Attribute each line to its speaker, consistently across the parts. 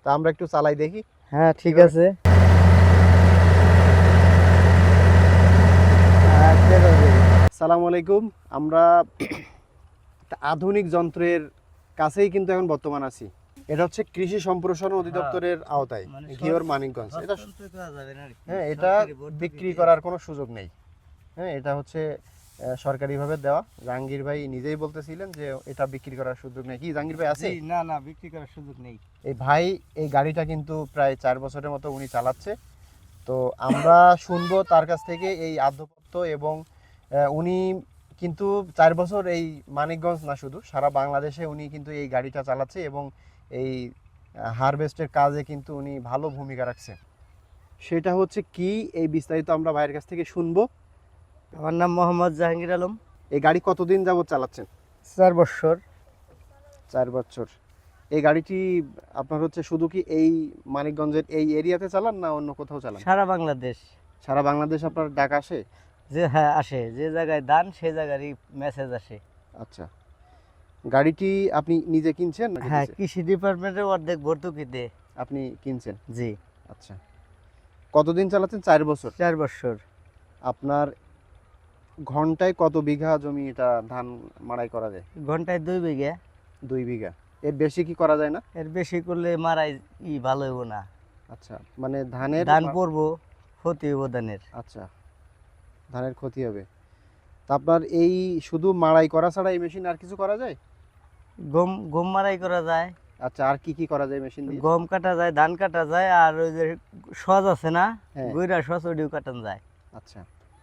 Speaker 1: তা আমরা একটু চালাই দেখি।
Speaker 2: হ্যাঁ ঠিক
Speaker 1: কিভাবে?
Speaker 2: আছে। আচ্ছা, রবি।
Speaker 1: আসসালামু আলাইকুম। আমরা একটা আধুনিক যন্ত্রের কাছেই কিন্তু এখন বর্তমান আছি। এটা হচ্ছে কৃষি সম্প্রসারণ অধিদপ্তরের আওতায়,
Speaker 2: মানে
Speaker 1: ঘিওর মানিকগঞ্জ। এটা
Speaker 2: হস্তান্তর করা যাবে না আর কি।
Speaker 1: হ্যাঁ, এটা
Speaker 2: সরকারি ভর্তুকি
Speaker 1: বিক্রি
Speaker 2: দিয়ে।
Speaker 1: করার কোনো সুযোগ নেই। হ্যাঁ, এটা হচ্ছে সরকারিভাবে দেওয়া। জাহাঙ্গীর ভাই নিজেই বলতেছিলেন যে এটা বিক্রি করার সুযোগ নেই। কি জাহাঙ্গীর ভাই আছে?
Speaker 2: জি, না না, বিক্রি করার সুযোগ নেই।
Speaker 1: এই ভাই এই গাড়িটা কিন্তু প্রায় 4 বছরের মতো উনি চালাচ্ছে। তো আমরা শুনবো তার কাছ থেকে এই আদ্যপত্য এবং উনি কিন্তু 4 বছর এই মানিকগঞ্জ না শুধু সারা বাংলাদেশে উনি কিন্তু এই গাড়িটা চালাচ্ছে এবং এই হারভেস্টের কাজে কিন্তু উনি ভালো ভূমিকা রাখছে। সেটা হচ্ছে কি, এই বিস্তারিত আমরা ভাইয়ের কাছ থেকে শুনবো।
Speaker 2: আমার নাম মোহাম্মদ জাহাঙ্গীর আলম।
Speaker 1: এই গাড়ি কতদিন যাবত চালাচ্ছেন?
Speaker 2: 4 বছর।
Speaker 1: 4 বছর। এই গাড়িটি আপনার হচ্ছে শুধু কি এই মানিকগঞ্জের এই এরিয়াতে চালান না অন্য কোথাও চালান?
Speaker 2: সারা বাংলাদেশ।
Speaker 1: সারা বাংলাদেশ আপনার ডাক আসে?
Speaker 2: যে হ্যাঁ আসে, যে জায়গায় দান সেই জায়গারই মেসেজ আসে।
Speaker 1: আচ্ছা, গাড়িটি আপনি নিজে কিনছেন নাকি
Speaker 2: হ্যাঁ,
Speaker 1: দিছে?
Speaker 2: কৃষি ডিপার্টমেন্টের অর্ধেক ভর্তুকি দে।
Speaker 1: আপনি কিনছেন?
Speaker 2: জি।
Speaker 1: আচ্ছা, কতদিন চালাচ্ছেন? 4 বছর।
Speaker 2: 4 বছর।
Speaker 1: আপনার ঘন্টায় কত বিঘা জমি এটা ধান মাড়াই করা যায়?
Speaker 2: ঘন্টায় 2 বিঘা।
Speaker 1: 2 বিঘা। এর বেশি কি করা যায় না?
Speaker 2: এর বেশি করলে মারাই ভালো হইব না।
Speaker 1: আচ্ছা, মানে ধানের
Speaker 2: ধান পড়বো, ক্ষতি হইব ধানের।
Speaker 1: আচ্ছা, ধানের ক্ষতি হবে। তা আপনার এই শুধু মাড়াই করা ছাড়া এই মেশিন আর কিছু করা যায়?
Speaker 2: গম গম মারাই করা যায়,
Speaker 1: আচ্ছা, আর কি কি করা যায় মেশিন দিয়ে?
Speaker 2: গম কাটা যায়, ধান কাটা যায়, আর ওই যে সজ আছে না,
Speaker 1: হ্যাঁ।
Speaker 2: গইরা সজ ওইটাও কাটান যায়।
Speaker 1: আচ্ছা,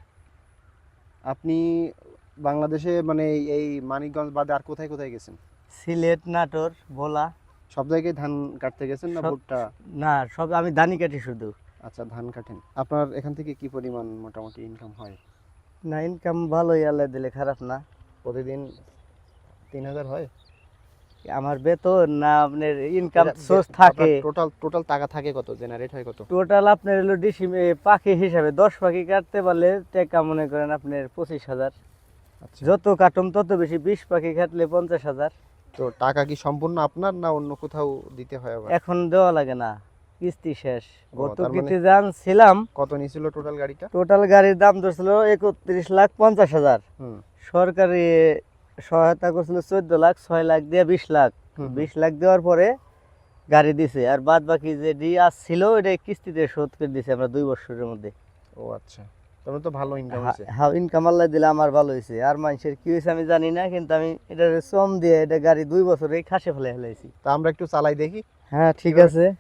Speaker 1: আপনি বাংলাদেশে মানে এই মানিকগঞ্জ বাদে আর কোথায় কোথায় গেছেন?
Speaker 2: সিলেট, নাটোর, ভোলা।
Speaker 1: সব জায়গায় ধান কাটতে গেছেন না
Speaker 2: সব-
Speaker 1: ভুট্টা?
Speaker 2: না, সব আমি ধানই কাটি শুধু।
Speaker 1: আচ্ছা, ধান কাটেন। আপনার এখান থেকে কি পরিমাণ মোটামুটি ইনকাম হয়?
Speaker 2: না, ইনকাম ভালোই, আল্লাহ দিলে খারাপ না।
Speaker 1: প্রতিদিন 3000 হয়?
Speaker 2: আমার বেতন না আপনার ইনকাম সোর্স থাকে।
Speaker 1: টোটাল টোটাল টাকা থাকে কত, জেনারেট হয় কত?
Speaker 2: টোটাল আপনার হলো ডিসিমে পাখি হিসাবে 10 পাখি কাটতে পারলে টাকা মনে করেন আপনার 25,000।
Speaker 1: আচ্ছা,
Speaker 2: যত কাটুম তত বেশি, 20 পাখি কাটলে 50,000।
Speaker 1: তো টাকা কি সম্পূর্ণ আপনার না অন্য কোথাও দিতে হয় আবার?
Speaker 2: এখন দেওয়া লাগে না, কিস্তি শেষ।
Speaker 1: তার
Speaker 2: ভর্তুকিতে
Speaker 1: মানে-
Speaker 2: জানছিলাম।
Speaker 1: কত নিছিল টোটাল গাড়িটা?
Speaker 2: টোটাল গাড়ির দাম ধরছিল 31,50,000।
Speaker 1: হুম।
Speaker 2: সরকারি সহায়তা করছিল 14 লাখ, 6 লাখ দিয়ে 20 লাখ।
Speaker 1: হুম,
Speaker 2: 20 লাখ দেওয়ার পরে গাড়ি দিছে, আর বাদ বাকি যে ডি ছিল ওটা কিস্তিতে শোধ করে দিছে আমরা 2 বছরের মধ্যে।
Speaker 1: ও আচ্ছা, তবে তো ভালো ইনকাম আছে।
Speaker 2: হ্যাঁ, ইনকাম আল্লাহ দিলে আমার ভালো হয়েছে। আর মানুষের কি হয়েছে আমি জানি না, কিন্তু আমি এটা শ্রম দিয়ে এটা গাড়ি 2 বছরেই খাসে ফেলে ফেলাইছি।
Speaker 1: তা আমরা একটু চালাই দেখি।
Speaker 2: হ্যাঁ ঠিক
Speaker 1: কিভাবে?
Speaker 2: আছে।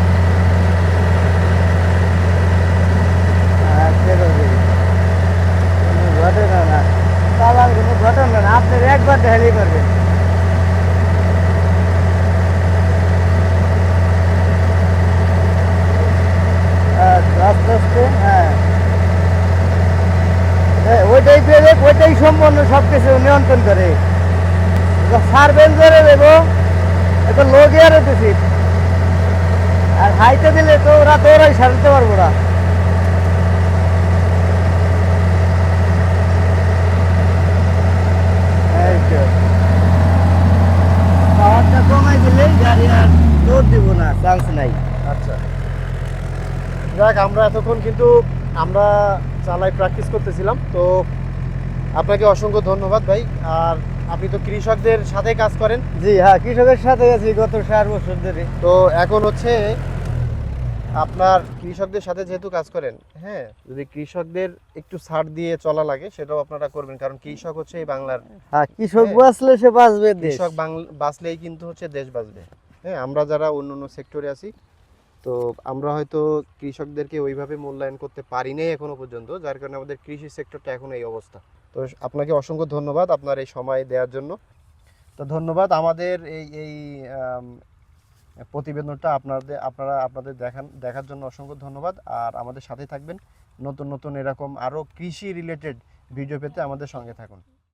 Speaker 2: আচ্ছা, রবি। কোনো ঘটনা না, চালার কোনো ঘটনা না, আপনার একবার দেখালেই পারবেন। আচ্ছা, আস্তে আস্তে। হ্যাঁ, ওইটাই পেরে ওইটাই সম্পূর্ণ সব কিছু নিয়ন্ত্রণ করে। সার্ভেন করে দেবো, একটা লোক ইয়ারে দিছি, আর হাইতে দিলে তো ওরা তো ওরাই সারতে পারবো না। এই তো। পাওয়ারটা কমাই দিলেই গাড়ি আর দৌড় দিব না, চান্স নাই।
Speaker 1: আচ্ছা, যাক, আমরা এতক্ষণ কিন্তু আমরা চালাই প্র্যাকটিস করতেছিলাম। তো আপনাকে অসংখ্য ধন্যবাদ ভাই। আর আপনি তো কৃষকদের সাথে কাজ করেন,
Speaker 2: জি হ্যাঁ, কৃষকের সাথে আছি গত 4 বছর ধরে।
Speaker 1: তো এখন হচ্ছে আপনার কৃষকদের সাথে যেহেতু কাজ করেন, হ্যাঁ, যদি কৃষকদের একটু ছাড় দিয়ে চলা লাগে সেটাও আপনারা করবেন, কারণ কৃষক হচ্ছে এই বাংলার।
Speaker 2: হ্যাঁ, কৃষক
Speaker 1: হ্যাঁ।
Speaker 2: বাঁচলে সে বাঁচবে দেশ।
Speaker 1: কৃষক বাঁচলেই কিন্তু হচ্ছে দেশ বাঁচবে। হ্যাঁ, আমরা যারা অন্য অন্য সেক্টরে আছি, তো আমরা হয়তো কৃষকদেরকে ওইভাবে মূল্যায়ন করতে পারি নাই এখনো পর্যন্ত, যার কারণে আমাদের কৃষি সেক্টরটা এখন এই অবস্থা। তো আপনাকে অসংখ্য ধন্যবাদ আপনার এই সময় দেওয়ার জন্য। তো ধন্যবাদ। আমাদের এই প্রতিবেদনটা আপনাদের দেখার জন্য অসংখ্য ধন্যবাদ। আর আমাদের সাথে থাকবেন, নতুন নতুন এরকম আরও কৃষি রিলেটেড ভিডিও পেতে আমাদের সঙ্গে থাকুন।